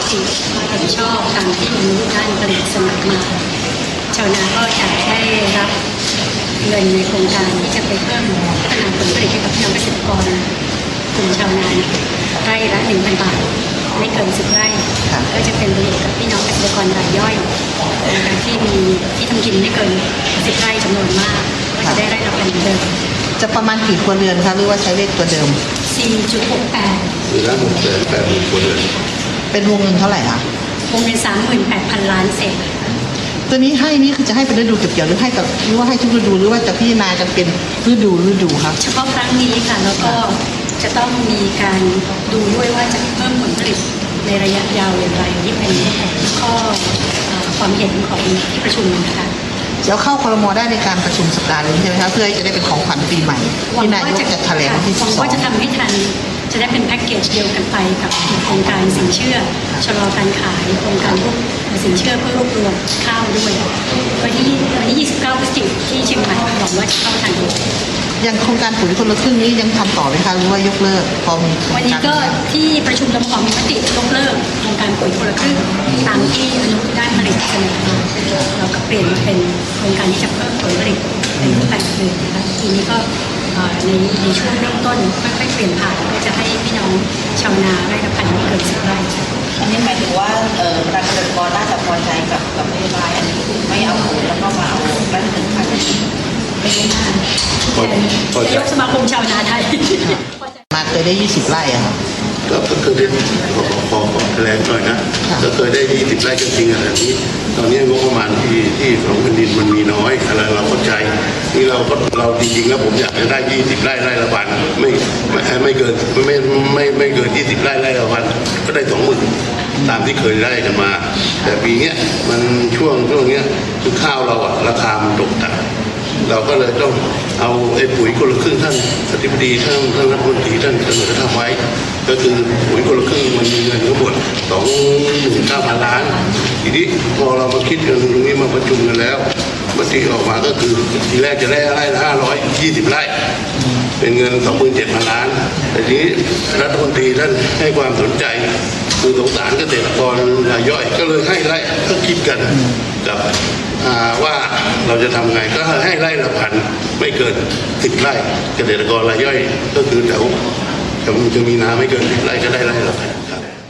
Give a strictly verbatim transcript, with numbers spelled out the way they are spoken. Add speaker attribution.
Speaker 1: ติเห็นชอบตามที่มนุษย์ด้านผลิตเสนอมาชาวนาก็จะได้รับเงินในโครงการที่จะไปเพิ่มพัฒนาผลผลิตให้กับพี่น้องเกษตรกรกลุ่มชาวนาไร่ละหนึ่งพันบาทไม่เกินสิบไร่ก็จะเป็นประโยชน์กับพี่น้องเกษตรกรรายย่อยนะคะที่มีที่ทำกินไม่เกินสิบไร่จำนวนมากก็จะได้ไร่ละพันเดิม
Speaker 2: จะประมาณกี่ครัวเรือนคะหรือว่าใช้เลขตัวเดิม
Speaker 1: สี่จุดหกแปด
Speaker 3: หรือละหกแสนแปดหมื่นครัวเรือน
Speaker 2: เป็นวงเงินเท่าไหร่คะ
Speaker 1: วงเงินสามหมื่นแปดพันล้านเศษ
Speaker 2: ตัวนี้ให้นี่คือจะให้เป็นฤดูเก็บเกี่ยวหรือให้กับหรือว่าให้ทุกฤดูหรือว่าจะพิจารณากันเป็นฤดูฤดูครับ
Speaker 1: เฉพาะครั้งนี้ค่ะแล้วก็จะต้องมีการดูด้วยว่าจะเพิ่มผลผลิตในระยะยาวอย่างไรที่เป็นข้อความเห็นของที่ประชุมนะคะ
Speaker 2: แล้วเข้าครม.ได้ในการประชุมสัปดาห์นี้ใช่ไหมคะเพื่อจะได้เป็นของขวัญปีใหม่ที่นายกจะแถลงที่สิบสอง
Speaker 1: ว่าจะทำให้ทันจะได้เป็นแพ็กเกจเดียวกันไปกับโครงการสินเชื่อชะลอการขายโครงการพวกสินเชื่อเพื่อรวบรวมข้าวด้วยวันที่วันที่ยี่สิบเก้าพฤศจิกายนที่เชียงใหม่หวังว่าจะเข้าทัน
Speaker 2: ยังโครงการปุ๋ยคนละครึ่งนี้ยังทำต่อไหมคะหรือว่ายกเลิกพอมี
Speaker 1: วันนี้ก็ที่ประชุมรมมีมติยกเลิกโครงการปุ๋ยคนละครึ่งตามที่อนุด้านผลิตเสนอมาเราก็เปลี่ยนมาเป็นโครงการที่จะเพิ่มผลผลิตในรูปแบบอื่นนะคะทีนี้ก็ในในช่วงเริ่มต้นค่อยๆเปลี่ยนผ่านก็จะให้พี่น้องชาวนาไร่ละพันไม่เกินสิบไร่
Speaker 4: อันนี้หมายถึงว่าเอ่อประชาชนน่าจะพอใจกับกับนโยบายอันนี้ไม่เอาปุ๋ยแล้วก็มาเอาไร่ละหนึ่งพัน
Speaker 1: ไม่ได้นานนายกสมาคมชาวนาไทย
Speaker 2: มาเคยได้ยี่สิบไร่อะครับ
Speaker 3: ก็เคยได้ขอขอแถลงหน่อยนะก็เคยได้ยี่สิบไร่จริงๆอะไรนี้ตอนนี้งบประมาณที่ที่ของแผ่นดินมันมีน้อยอะไรเราเข้าใจนี่เราก็เราจริงๆแล้วผมอยากจะได้ยี่สิบไร่ไร่ละพันไม่ไม่ไม่เกินไม่ไม่ไม่เกินยี่สิบไร่ไร่ละพันก็ได้สองหมื่นตามที่เคยได้กันมาแต่ปีเนี้ยมันช่วงช่วงเนี้ยคือข้าวเราอะราคามันตกต่ำเราก็เลยต้องเอาไอ้ปุ๋ยคนละครึ่งท่านอธิบดีท่านท่านรัฐมนตรีท่านเสนอทำไว้ก็คือปุ๋ยคนละครึ่งมันมีเงินทั้งหมดสองหมื่นเก้าพันล้านทีนี้พอเรามาคิดกันตรงนี้มาประชุมกันแล้วมติออกมาก็คือทีแรกจะได้ไร่ละห้าร้อยยี่สิบไร่เป็นเงินสองหมื่นเจ็ดพันล้านแต่ทีนี้รัฐมนตรีท่านให้ความสนใจคือสงสารเกษตรกรรายย่อยก็เลยให้ไร่ก็คิดกันกับว่าเราจะทำไงก็ให้ไร่ละพันไม่เกินสิบไร่เกษตรกรรายย่อยก็คือแถวจะมีนาไม่เกินสิบไร่ก็ได้ไร่ละพัน